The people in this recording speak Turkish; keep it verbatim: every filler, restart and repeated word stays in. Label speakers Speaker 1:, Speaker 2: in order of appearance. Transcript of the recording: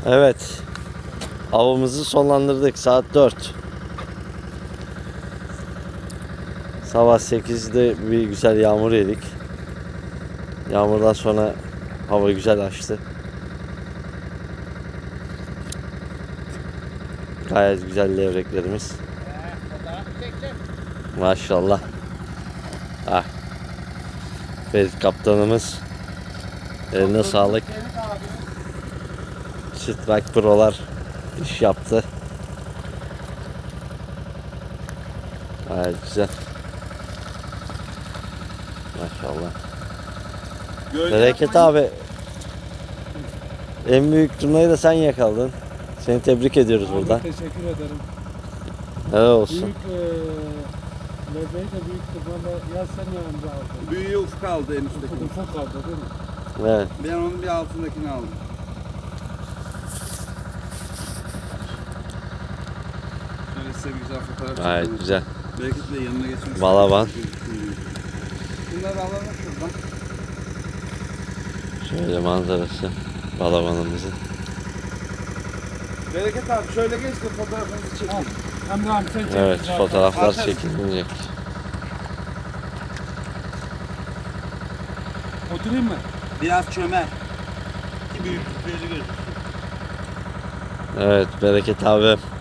Speaker 1: Evet. Avımızı sonlandırdık. Saat dört. Sabah sekizde bir güzel yağmur yedik. Yağmurdan sonra hava güzel açtı. Gayet güzel levreklerimiz. Maşallah. Ah. Ferit kaptanımız. Eline sağlık. Strike Pro'lar iş yaptı. Gayet güzel. Maşallah. Bereket abi. En büyük turnayı da sen yakaladın. Seni tebrik ediyoruz
Speaker 2: Abi,
Speaker 1: buradan.
Speaker 2: teşekkür ederim.
Speaker 1: Helal olsun.
Speaker 2: Büyük eee lebeği de büyük tırmanla ya sen yanımda aldın.
Speaker 3: Büyüğü ufuk aldı en üstteki.
Speaker 2: Ufak ufak aldı değil mi?
Speaker 1: Evet.
Speaker 3: Ben onun bir altındakini aldım. Şöyle size bir güzel fotoğraf
Speaker 1: Gayet
Speaker 3: çekelim.
Speaker 1: güzel.
Speaker 3: Belki de yanına geçmek
Speaker 1: Balaban.
Speaker 3: Bunları alalım şuradan.
Speaker 1: Şöyle manzarası balabanımızın.
Speaker 3: Bereket abi şöyle geç de fotoğrafınızı çekin.
Speaker 2: Emre abi sen çek.
Speaker 1: Evet,
Speaker 2: zaten.
Speaker 1: fotoğraflar
Speaker 3: Aferin.
Speaker 1: çekilecek.
Speaker 2: Oturayım mı?
Speaker 3: Biraz çömel. Ki büyüklükleri gözüksün.
Speaker 1: Evet, Bereket abi